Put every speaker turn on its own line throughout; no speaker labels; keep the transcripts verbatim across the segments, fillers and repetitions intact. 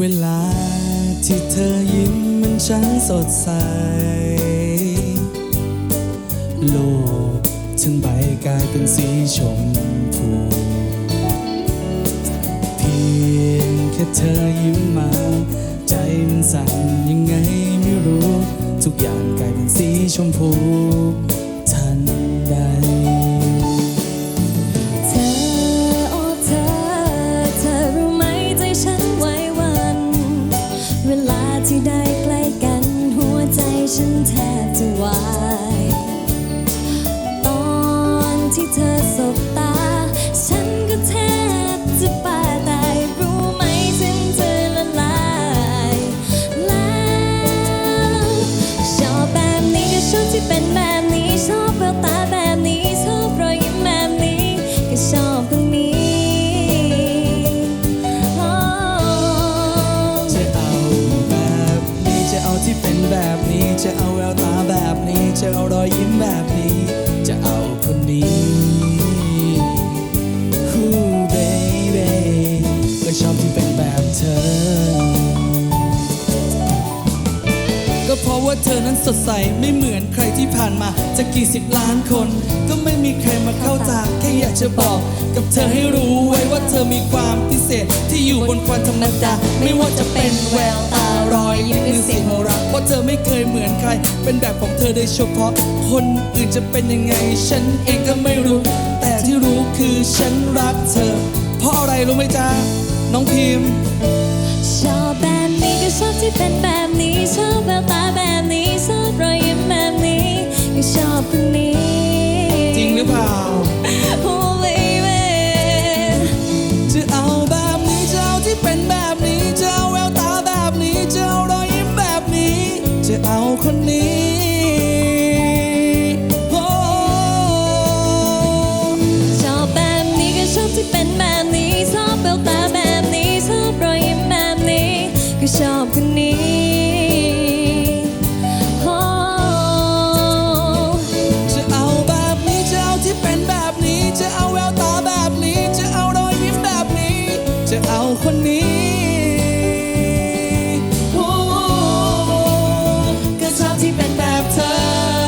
เวลาที่เธอยิ้มมันช่างสดใสโลกทั้งใบกลายเป็นสีชมพูเพียงแค่เธอยิ้มมาใจมันสั่นยังไงไม่รู้ทุกอย่างกลายเป็นสีชมพูทันใด
เธอโอ้เธอเธอรู้ไหมใจฉันไหวหวั่นเวลาที่ได้ใกล้กันหัวใจฉันแทบจะวายตอนที่เธอสบตาฉันก็แทบจะป่าตายรู้ไหมฉันเธอละลายแล้วชอบแบบนี้ก็ชอบที่เป็นแบบนี้ชอบแววตาแบบนี้ชอบรอยยิ้มแบบนี้ก็ชอบคนนี้
จะเอาแบบนี้จะเอาที่เป็นแบบนี้จะเอาแววตาแบบนี้จะเอารอยยิ้มแบบนี้จะเอาคนนี้ฮู้เบบีก็ชอบที่เป็นแบบเธอก็เพราะว่าเธอนั้นสดใสไม่เหมือนใครที่ผ่านมาจะกี่สิบล้านคนก็ไม่มีใครมาเข้าตาแค่อยากจะบอกกับเธอให้รู้ไว้ว่าเธอมีความพิเศษที่อยู่บนความธรรมดาไม่ว่าจะเป็นแววตารอยยิ้มหรือเสียงหัวเราะเพราะเธอไม่เคยเหมือนใครเป็นแบบของเธอโดยเฉพาะคนอื่นจะเป็นยังไงฉันเองก็ไม่รู้แต่ที่รู้คือฉันรักเธอเพราะอะไรรู้ไหมจ๊ะน้องพิมพ์
ชอบแบบนี้ก็ชอบที่เป็นแบบนี้ชอบแววตาแบบนี้ชอบรอยยิ้มแบบนี้ก็ชอบคนนี้
จริงหรือเปล่า
Oh baby
จะเอาแบบนี้จะเอาที่เป็นแบบนี้จะเอาแววตาแบบนี้จะเอารอยยิ้มแบบนี้จะเอาคนนี้โอ้
ชอบแบบนี้ก็ชอบที่เป็นแบบนี้ชอบแววตาแบบนี้ชอบรอยยิ้มแบบนี้ก็ชอบคนนี้โอ้
จะเอาแบบนี้จะเอาที่เป็นแบบนี้จะเอาแววตาแบบนี้จะเอารอยยิ้มแบบนี้จะเอาคนนี้โอ้ก็ชอบที่เป็นแบบเธอ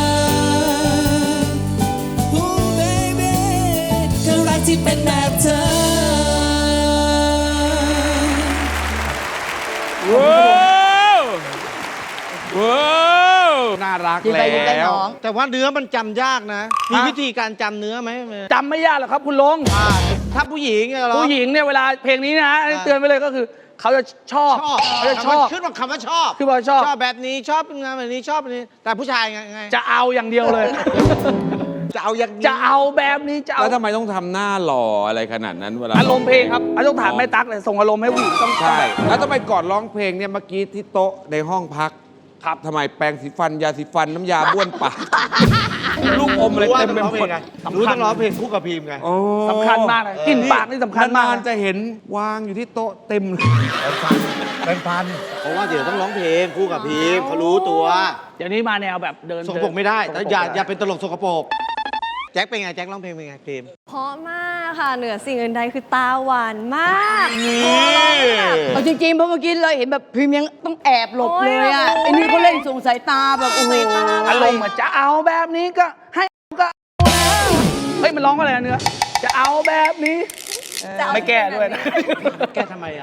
โอ้ baby ก็รักที่เป็นแบบเธอ
ว้าวว้าวน่ารัก
ยิ้ม
แล้
ไปยิ้มไป
ว
น้อง
แต่ว่าเนื้อมันจำยากนะ มีวิธีการจำเนื้อไหม
จำไม่ยากหรอกครับคุณลง
อ่าถ้าผู้หญิงเนี่ยเหรอ
ผู้หญิงเนี่ยเวลาเพลงนี้นะเตือนไว้เลยก็คือ เขาจะชอบ
ชอบ
เขาจะชอบ
ขึ้นว่าคำว่าชอบ
คือว่าชอบ
ชอบแบบนี้ชอบงานแบบนี้ชอบแบบนี้ แต่ผู้ชายไงไง
จะเอาอย่างเดียวเลย
จะเอาอย่างนี้
จะเอาแบบนี้จะเอา
แล้วทำไมต้องทำหน้าหล่ออะไรขนาดนั้นเวลา
อารมณ์เพลงครับอันต้องถามแม่ตั๊กเลยส่งอารมณ์ให้ผู้หญิงต้อง
ใช่ แล้วทำไมก่อนร้องเพลงเนี่ยเมื่อกี้ที่โต๊ะในห้องพัก
ครับ
ทำไมแปรงสีฟันยาสีฟันน้ำยาบ้วนปาก ลูกอมอะไร
รู้ว่า
เต็ม
ต้อง
ไป
ร้อง
ห
เพ
ม
ล
ด
งไงรู้ต้องร้องเพลงคู่กับพีมไง
โอ้
สำคัญมากเลยกลิ่นปากนี่สำคัญมาก
นาน
นะ
ๆจะเห็นวางอยู่ที่โต๊ะเต็มเลย
เพราะว่าเดี๋ยวต้องร้องเพลงคู่กับพีมเขารู้ตัว
เดี๋ยวนี้มาแนวแบบเดิน
สกปรกไม่ได้
ส
แต่
กปรก
อย่า
ไม่ได้
อย่าเป็นตลกสกปรกแจ็คเป็นไงแจ็คร้องเพลงเป็นไงพีม
เพราะมากค่ะเหนือสิ่งอื่นใดคือตาหวานมาก
เอาจริงๆเพราะเมื่อกี้เลยเห็นแบบพิมพ์ยังต้องแอบหลบเลยอ่ะ
โอ้ย
ไอ้นี่เขาเล่นส่งสายตาแบบโอ้โห
สายตา
อารมณ์เหมือนจะเอาแบบนี้ก็ให้ก็เอาแล้วเฮ้ยมันร้องว่าอะไรนะเนื้อจะเอาแบบนี้ไม่แก้ด้วยนะ
แกทำไมอ่ะ